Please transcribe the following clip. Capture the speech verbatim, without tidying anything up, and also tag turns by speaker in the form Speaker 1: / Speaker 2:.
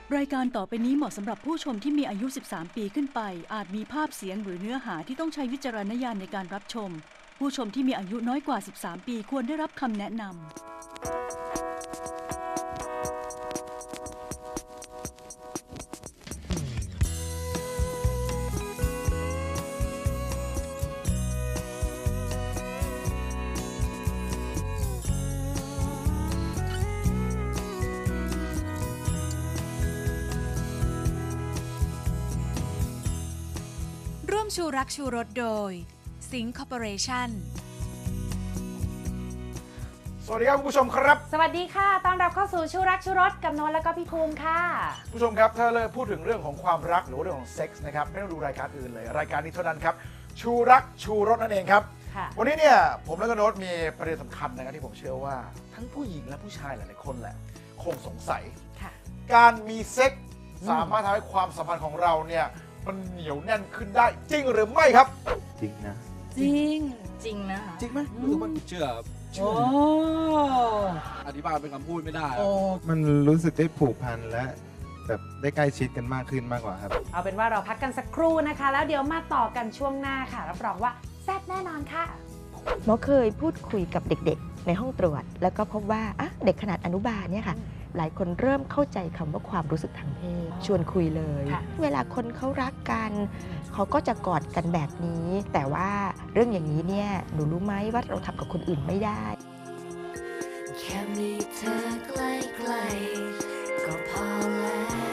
Speaker 1: รายการต่อไปนี้เหมาะสำหรับผู้ชมที่มีอายุ สิบสาม ปีขึ้นไป อาจมีภาพเสียงหรือเนื้อหาที่ต้องใช้วิจารณญาณในการรับชม ผู้ชมที่มีอายุน้อยกว่า สิบสาม ปีควรได้รับคำแนะนำ
Speaker 2: ร่วมชูรักชูรสโดยสิงห์คอร์ปอเรชั่น
Speaker 3: สวัสดีครับคุณผู้ชมครับ
Speaker 4: สวัสดีค่ะต้อนรับเข้าสู่ชูรักชูรสกับโน้ตแล้วก็พี่ภูมิค่ะ
Speaker 3: ผู้ชมครับถ้าเลยพูดถึงเรื่องของความรักหรือว่าเรื่องของเซ็กส์นะครับไม่ต้องดูรายการอื่นเลยรายการนี้เท่านั้นครับชูรักชูรสนั่นเองครับ
Speaker 4: ค่ะ
Speaker 3: วันนี้เนี่ยผมและก็โน้ตมีประเด็นสำคัญนะครับที่ผมเชื่อว่าทั้งผู้หญิงและผู้ชายหลายๆคนแหละคงสงสัย
Speaker 4: ค่ะ
Speaker 3: การมีเซ็กส์สามารถทำให้ความสัมพันธ์ของเราเนี่ยมันเหนียวแน่นขึ้นได้จริงหรือไม่ครับ
Speaker 5: จริงนะ
Speaker 4: จริงจริงนะ
Speaker 5: จริงไหมรู้สึกว่า
Speaker 6: เชื่อ
Speaker 4: โอ้
Speaker 6: อธิบายเป็นคำพูดไม่ได้
Speaker 4: โอ้
Speaker 5: มันรู้สึกได้ผูกพันและแบบได้ใกล้ชิดกันมากขึ้นมากกว่าครับ
Speaker 4: เอาเป็นว่าเราพักกันสักครู่นะคะ แล้วเดี๋ยวมาต่อกันช่วงหน้าค่ะรับรองว่าแซ่บแน่นอนค่ะ
Speaker 7: หมอเคยพูดคุยกับเด็กๆ ในห้องตรวจ แล้วก็พบว่าอ่ะเด็กขนาดอนุบาลเนี่ยค่ะ หลายคนเริ่มเข้าใจคำว่าความรู้สึกทางเพศ ชวนคุยเลย
Speaker 4: ค่ะ
Speaker 7: เวลาคนเขารักกัน เขาก็จะกอดกันแบบนี้ แต่ว่าเรื่องอย่างนี้เนี่ยหนูรู้ไหมว่าเราทำกับคนอื่นไม่ได้
Speaker 8: แค่มีเธอใกล้ๆก็พอแล้ว